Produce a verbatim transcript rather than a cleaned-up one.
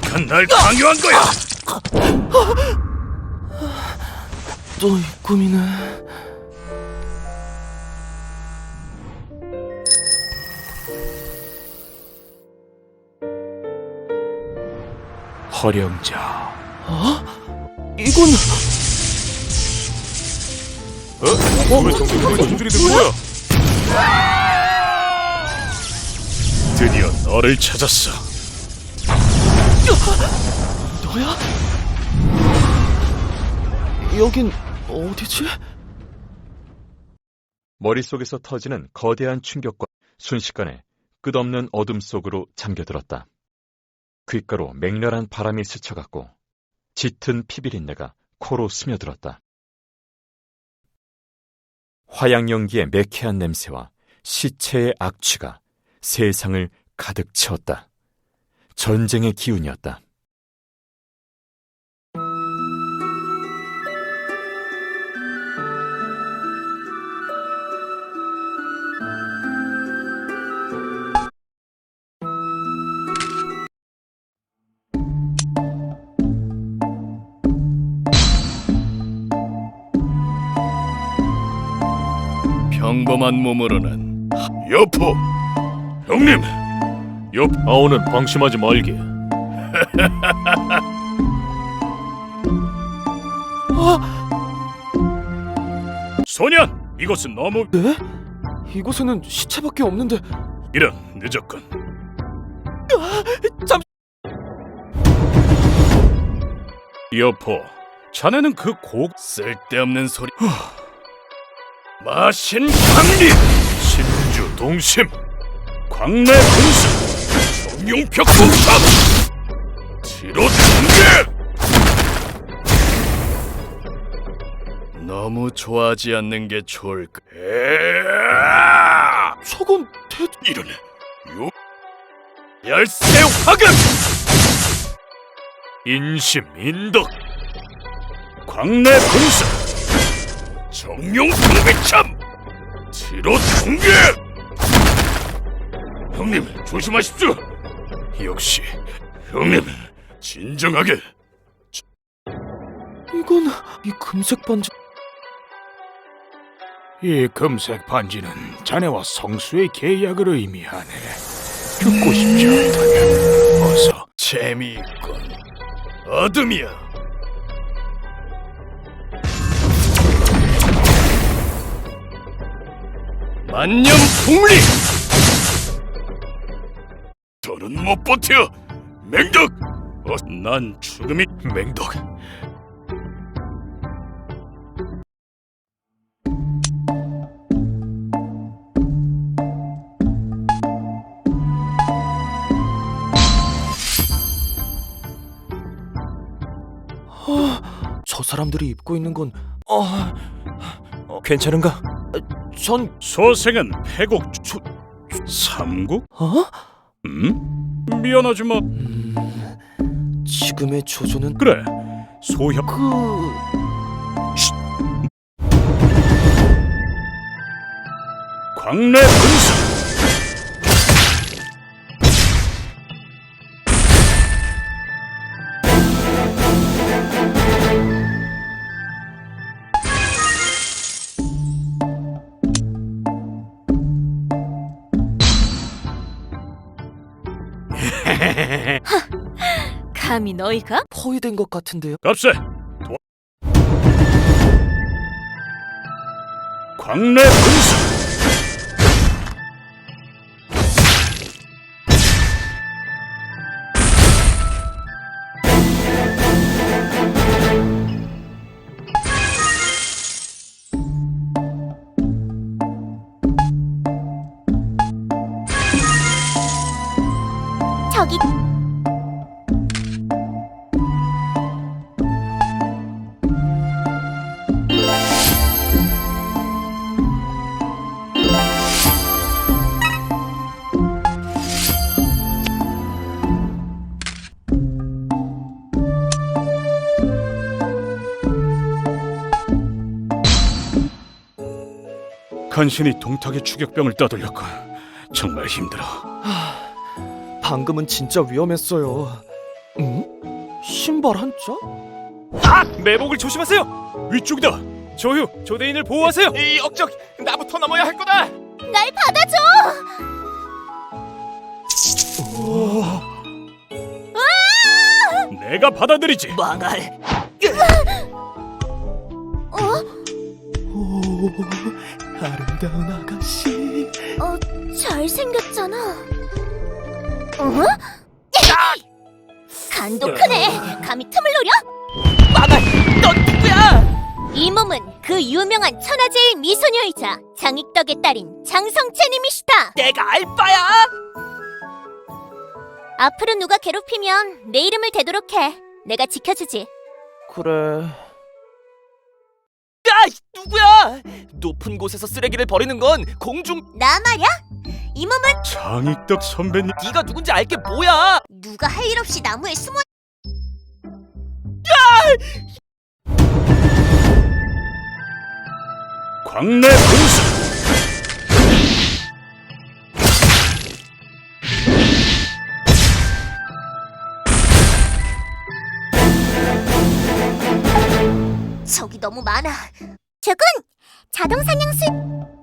누가 날 강요한 거야? 또 이 꿈이네. 허령자. 어? 이건 어? 왜 정신들이 정신들이 된 거야? 드디어 너를 찾았어. 너야? 여긴 어디지? 머릿속에서 터지는 거대한 충격과 순식간에 끝없는 어둠 속으로 잠겨들었다. 귓가로 맹렬한 바람이 스쳐갔고 짙은 피비린내가 코로 스며들었다. 화양연기의 매캐한 냄새와 시체의 악취가 세상을 가득 채웠다. 전쟁의 기운이었다. 평범한 몸으로는 여포! 형님! 옆 아오는 방심하지 말게. 소년! 이곳은 너무... 네? 이곳에는 시체밖에 없는데. 이런, 늦었군. 잠... 여포, 자네는 그 곡... 쓸데없는 소리... 마신 강리! 신주 동심! 광내 분수! 정용벽 공탑! 지로 등계! 너무 좋아하지 않는 게 좋을까? 에아! 저건 대... 이러네. 요... 열쇠 화금! 인심 인덕! 광내 분수! 정용 동백참! 지로 등계! 형님, 조심하십시오! 역시, 형님, 진정하게! 이건... 이 금색 반지... 이 금색 반지는 자네와 성수의 계약을 의미하네. 죽고 싶지 않다면 어서. 재미있군. 어둠이야. 만년 풍리! 더는 못 버텨! 맹덕! 어, 난 죽음이... 맹덕... 어... 저 사람들이 입고 있는 건... 어... 어... 괜찮은가? 전... 소생은 패국... 초... 삼국? 어? 음? 미안하지만... 음... 지금의 조조는... 그래, 소협... 그... 광내 분수! 감히 너희가? 포위된 것 같은데요? 값세! 도... 광내 분수! 저기 간신히 동탁의 추격병을 따돌렸고 정말 힘들어. 방금은 진짜 위험했어요. 응? 신발 한 짝? 아! 매복을 조심하세요! 위쪽이다. 조휴, 조대인을 보호하세요! 이 역적! 나부터 넘어야 할 거다! 날 받아줘! 내가 받아들이지. 망할! 어? 오, 아름다운 아가씨. 어, 잘생겼잖아. 어? 간도 크네. 감히 틈을 노려? 망할! 넌 누구야? 이 몸은 그 유명한 천하제일 미소녀이자 장익덕의 딸인 장성채님이시다. 내가 알바야! 앞으로 누가 괴롭히면 내 이름을 대도록 해. 내가 지켜주지. 그래. 야! 누구야? 높은 곳에서 쓰레기를 버리는 건 공중... 나 말야? 이 몸은 장익덕 선배님. 네가 누군지 알게 뭐야? 누가 할 일 없이 나무에 숨어. 광내 분수. 적이 너무 많아. 저건 자동 사냥술.